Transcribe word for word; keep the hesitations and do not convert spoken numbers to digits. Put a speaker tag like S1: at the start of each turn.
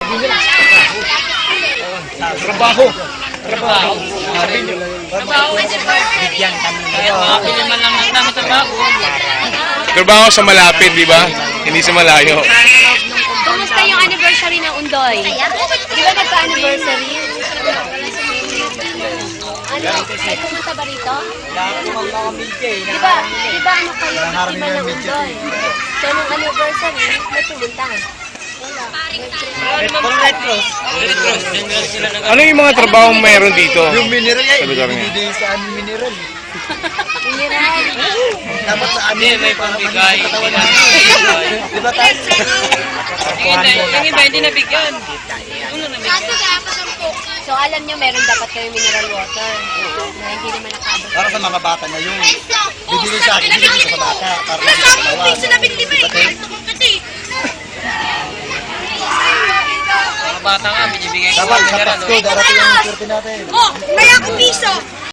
S1: Trabaho. Trabaho.
S2: Trabaho.
S3: Bigyan kami.
S2: Makapili man lang namin trabaho.
S4: Trabaho sa malapit, di ba? Hindi sa malayo.
S5: Kumusta yung anniversary ng Undoy? Di ba nagka-anniversary? Ano? Ay, pumunta ba rito? Di ba, di ba ano kayo, biktima ng Undoy? So, nung anniversary, may pumunta.
S3: Pang Red Cross.
S2: Red Cross. Sila nag-
S4: Ano yung mga trabaho meron dito?
S1: Yung mineral yan,
S4: Sa lugar niya.
S1: ibibigay sa aming mineral.
S5: Mineral.
S1: Dapat sa
S2: Hindi,
S1: amin.
S2: may pambigay.
S1: Di ba tayo?
S2: Yung iba, yung iba hindi nabigyan. Uno nabigyan.
S5: So, alam nyo, meron dapat kayo mineral water. Na hindi naman nakabot.
S1: Para sa mga bata na yun. Bibigay sa akin, bibigay sa bata. Para sa mga
S2: Mga bata nga, binibigyan ko.
S1: Dapat sa
S2: Mineral,
S1: Pasko,
S2: oh.
S1: darating yung swerte natin.
S6: Oh, may ako piso.